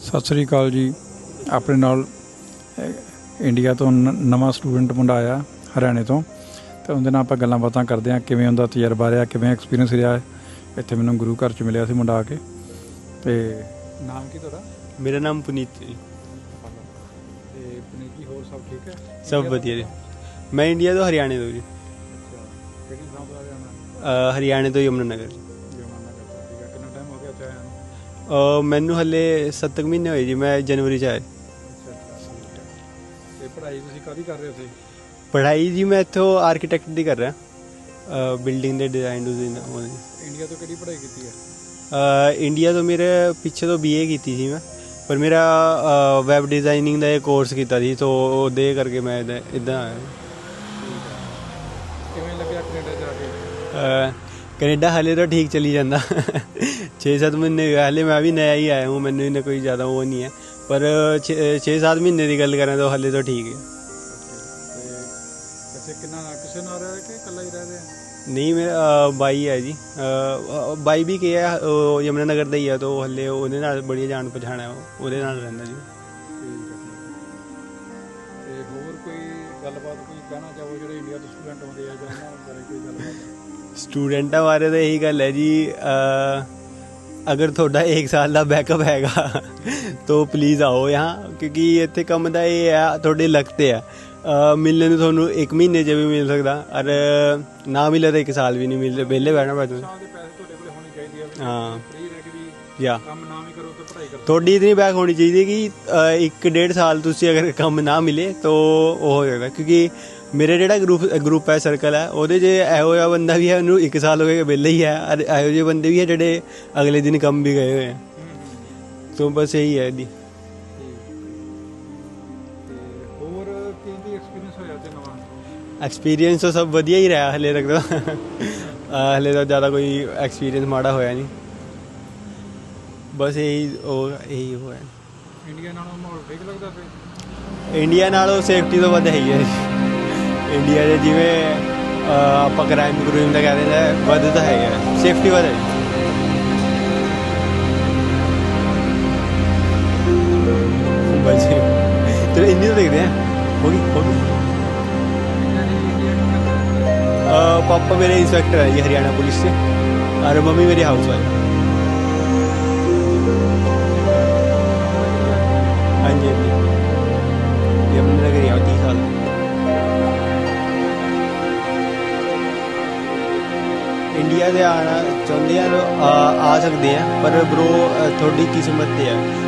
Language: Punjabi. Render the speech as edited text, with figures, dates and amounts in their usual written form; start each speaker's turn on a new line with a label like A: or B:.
A: ਸਤਿ ਸ੍ਰੀ ਅਕਾਲ ਜੀ। ਆਪਣੇ ਨਾਲ ਇੰਡੀਆ ਤੋਂ ਨਵਾਂ ਸਟੂਡੈਂਟ ਮੁੰਡਾ ਆਇਆ ਹਰਿਆਣੇ ਤੋਂ, ਅਤੇ ਉਹਦੇ ਨਾਲ ਆਪਾਂ ਗੱਲਾਂ ਬਾਤਾਂ ਕਰਦੇ ਹਾਂ ਕਿਵੇਂ ਉਹਦਾ ਤਜਰਬਾ ਰਿਹਾ, ਕਿਵੇਂ ਐਕਸਪੀਰੀਅੰਸ ਰਿਹਾ। ਇੱਥੇ ਮੈਨੂੰ ਗੁਰੂ ਘਰ 'ਚ ਮਿਲਿਆ ਸੀ ਮੁੰਡਾ ਆ ਕੇ। ਅਤੇ ਨਾਮ ਕੀ ਤੁਹਾਡਾ?
B: ਮੇਰਾ ਨਾਮ ਪੁਨੀਤ ਜੀ।
A: ਅਤੇ ਪੁਨੀਤ ਜੀ, ਹੋਰ ਸਭ ਠੀਕ ਹੈ?
B: ਸਭ ਵਧੀਆ ਜੀ। ਮੈਂ ਇੰਡੀਆ ਤੋਂ ਹਰਿਆਣੇ ਤੋਂ ਜੀ।
A: ਅੱਛਾ, ਕਿਹੜੀ ਥਾਂ ਤੋਂ ਹਰਿਆਣਾ?
B: ਹਰਿਆਣੇ ਤੋਂ ਯਮੁਨਾ ਨਗਰ।
A: ਯਮੁਨਾ ਨਗਰ ਤੋਂ, ਠੀਕ ਹੈ। ਕਿੰਨਾ ਟਾਈਮ ਹੋ ਗਿਆ ਇੱਥੇ ਆਇਆ ਨੂੰ?
B: ਮੈਨੂੰ ਹਲੇ 7 ਮਹੀਨੇ ਹੋਏ ਜੀ, ਮੈਂ ਜਨਵਰੀ 'ਚ ਆਇਆ।
A: ਅੱਛਾ ਅੱਛਾ, ਠੀਕ ਹੈ। ਅਤੇ ਪੜ੍ਹਾਈ ਤੁਸੀਂ ਕਾਹਦੀ ਕਰ ਰਹੇ ਹੋ ਤੁਸੀਂ?
B: ਪੜ੍ਹਾਈ ਜੀ ਮੈਂ ਇੱਥੋਂ ਆਰਕੀਟੈਕਟ ਦੀ ਕਰ ਰਿਹਾ, ਬਿਲਡਿੰਗ ਦੇ ਡਿਜ਼ਾਈਨ ਡੂਜ਼ਾਈਨ।
A: ਇੰਡੀਆ ਤੋਂ ਕਿਹੜੀ ਪੜ੍ਹਾਈ ਕੀਤੀ ਹੈ?
B: ਇੰਡੀਆ ਤੋਂ ਮੇਰੇ ਪਿੱਛੇ ਤੋਂ BA ਕੀਤੀ ਸੀ ਮੈਂ, ਪਰ ਮੇਰਾ ਵੈਬ ਡਿਜ਼ਾਈਨਿੰਗ ਦਾ ਇਹ ਕੋਰਸ ਕੀਤਾ ਸੀ, ਸੋ ਉਹਦੇ ਕਰਕੇ ਮੈਂ ਇੱਦਾਂ ਆਇਆ।
A: ਕਿਵੇਂ ਲੱਗਿਆ ਕੈਨੇਡਾ ਜਾ ਕੇ?
B: ਕੈਨੇਡਾ ਹਾਲੇ ਤਾਂ ਠੀਕ ਚੱਲੀ ਜਾਂਦਾ। 6-7 ਮਹੀਨੇ ਹਾਲੇ ਮੈਂ ਵੀ ਨया ਹੀ ਆਇਆ ਹੂੰ, ਮੈਨੂੰ ਇੰਨਾ ਕੋਈ ਜ਼ਿਆਦਾ ਉਹ ਨਹੀਂ ਹੈ, ਪਰ 6-7 ਮਹੀਨੇ ਦੀ ਗੱਲ ਕਰਾਂ ਤਾਂ ਹਾਲੇ ਤਾਂ ਠੀਕ ਹੈ। ਕਿਸੇ ਨਾਲ ਰਹਿ ਕਿ ਇਕੱਲਾ ਹੀ ਰਹਿ ਰਿਹਾ? ਨਹੀਂ, ਮੇਰਾ ਬਾਈ ਹੈ ਜੀ। ਬਾਈ ਵੀ ਕੀ ਹੈ, ਉਹ ਯਮੁਨਾ ਨਗਰ ਦਾ ਹੀ ਹੈ, ਤਾਂ ਹਾਲੇ ਉਹਦੇ ਨਾਲ ਬੜੀ ਜਾਣ ਪਛਾਣ ਹੈ, ਉਹਦੇ ਨਾਲ ਰਹਿੰਦਾ ਜੀ।
A: ਤੇ ਹੋਰ ਕੋਈ ਗੱਲਬਾਤ ਕੋਈ ਕਹਿਣਾ ਚਾਹੋ ਜਿਹੜੇ ਇੰਡੀਆ ਤੋਂ ਸਟੂਡੈਂਟ ਆਉਂਦੇ ਆ ਜਾਂ ਉਹਨਾਂ ਬਾਰੇ ਕੋਈ ਗੱਲਬਾਤ?
B: ਸਟੂਡੈਂਟਾਂ ਬਾਰੇ ਤਾਂ ਇਹੀ ਗੱਲ ਹੈ ਜੀ, ਅਗਰ ਤੁਹਾਡਾ 1 ਸਾਲ ਦਾ ਬੈਕਅਪ ਹੈਗਾ ਤਾਂ ਪਲੀਜ਼ ਆਓ यहाँ, क्योंकि ਇੱਥੇ ਕੰਮ ਦਾ ਇਹ ਹੈ ਤੁਹਾਡੇ ਲੱਕ 'ਤੇ ਆ। ਮਿਲਣੇ ਨੂੰ ਤੁਹਾਨੂੰ 1 ਮਹੀਨੇ 'ਚ ਵੀ ਮਿਲ ਸਕਦਾ, ਔਰ ਨਾ ਮਿਲੇ ਤਾਂ 1 ਸਾਲ ਵੀ ਨਹੀਂ ਮਿਲਦੇ, ਵਿਹਲੇ ਬਹਿਣਾ ਪੈ ਤੁਹਾਨੂੰ। ਹਾਂ ਯਾ
A: ਕੰਮ ਨਾ ਵੀ ਕਰੋ ਤਾਂ ਪੜ੍ਹਾਈ ਕਰੋ।
B: ਤੁਹਾਡੀ ਇਤਨੀ ਬੈਕ ਹੋਣੀ ਚਾਹੀਦੀ ਕਿ 1-1.5 ਸਾਲ ਤੁਸੀਂ ਅਗਰ ਕੰਮ ਨਾ ਮਿਲੇ ਤਾਂ ਉਹ ਹੋ ਜਾਏਗਾ, ਕਿਉਂਕਿ ਮੇਰੇ ਜਿਹੜਾ ਗਰੁੱਪ ਹੈ, ਸਰਕਲ ਹੈ, ਉਹਦੇ 'ਚ ਇਹੋ ਜਿਹਾ ਬੰਦਾ ਵੀ ਹੈ ਉਹਨੂੰ 1 ਸਾਲ ਹੋ ਗਿਆ ਵਿਹਲੇ ਹੀ ਹੈ, ਔਰ ਇਹੋ ਜਿਹੇ ਬੰਦੇ ਵੀ ਹੈ ਜਿਹੜੇ ਅਗਲੇ ਦਿਨ ਕੰਮ ਵੀ ਗਏ ਹੋਏ ਹੈ। ਤਾਂ ਬਸ ਇਹੀ ਹੈ ਜੀ। ਐਕਸਪੀਰੀਅੰਸ ਤਾਂ ਸਭ ਵਧੀਆ ਹੀ ਰਿਹਾ ਹਲੇ ਤੱਕ ਤਾਂ। ਹਲੇ ਤਾਂ ਜ਼ਿਆਦਾ ਕੋਈ ਐਕਸਪੀਰੀਅੰਸ ਮਾੜਾ ਹੋਇਆ ਨਹੀਂ, ਬਸ ਇਹੀ ਉਹ ਹੈ।
A: ਇੰਡੀਆ ਨਾਲੋਂ ਮਾਹੌਲ ਠੀਕ ਲੱਗਦਾ ਫਿਰ?
B: ਇੰਡੀਆ ਨਾਲੋਂ ਸੇਫਟੀ ਤੋਂ ਵੱਧ ਹੈ ਹੀ ਹੈ। ਇੰਡੀਆ 'ਚ ਜਿਵੇਂ ਆਪਾਂ ਕ੍ਰਾਈਮ ਦਾ ਕਹਿ ਦਿੰਦੇ ਹਾਂ, ਵੱਧ ਤਾਂ ਹੈ, ਸੇਫਟੀ ਵੱਧ ਹੈ। ਬਸ ਚਲੋ ਇੰਨੀ ਤਾਂ ਦੇਖਦੇ ਹਾਂ। ਹੋ ਗਈ। पापा मेरे इंस्पेक्टर है जी हरियाणा पुलिस से, और मम्मी मेरी हाउस वाइफ। हाँ जी हाँ जी, यमुना नगर ही 30 साल। इंडिया से आना चाहते हैं आ सकते हैं, पर ब्रो थोड़ी किस्मत है।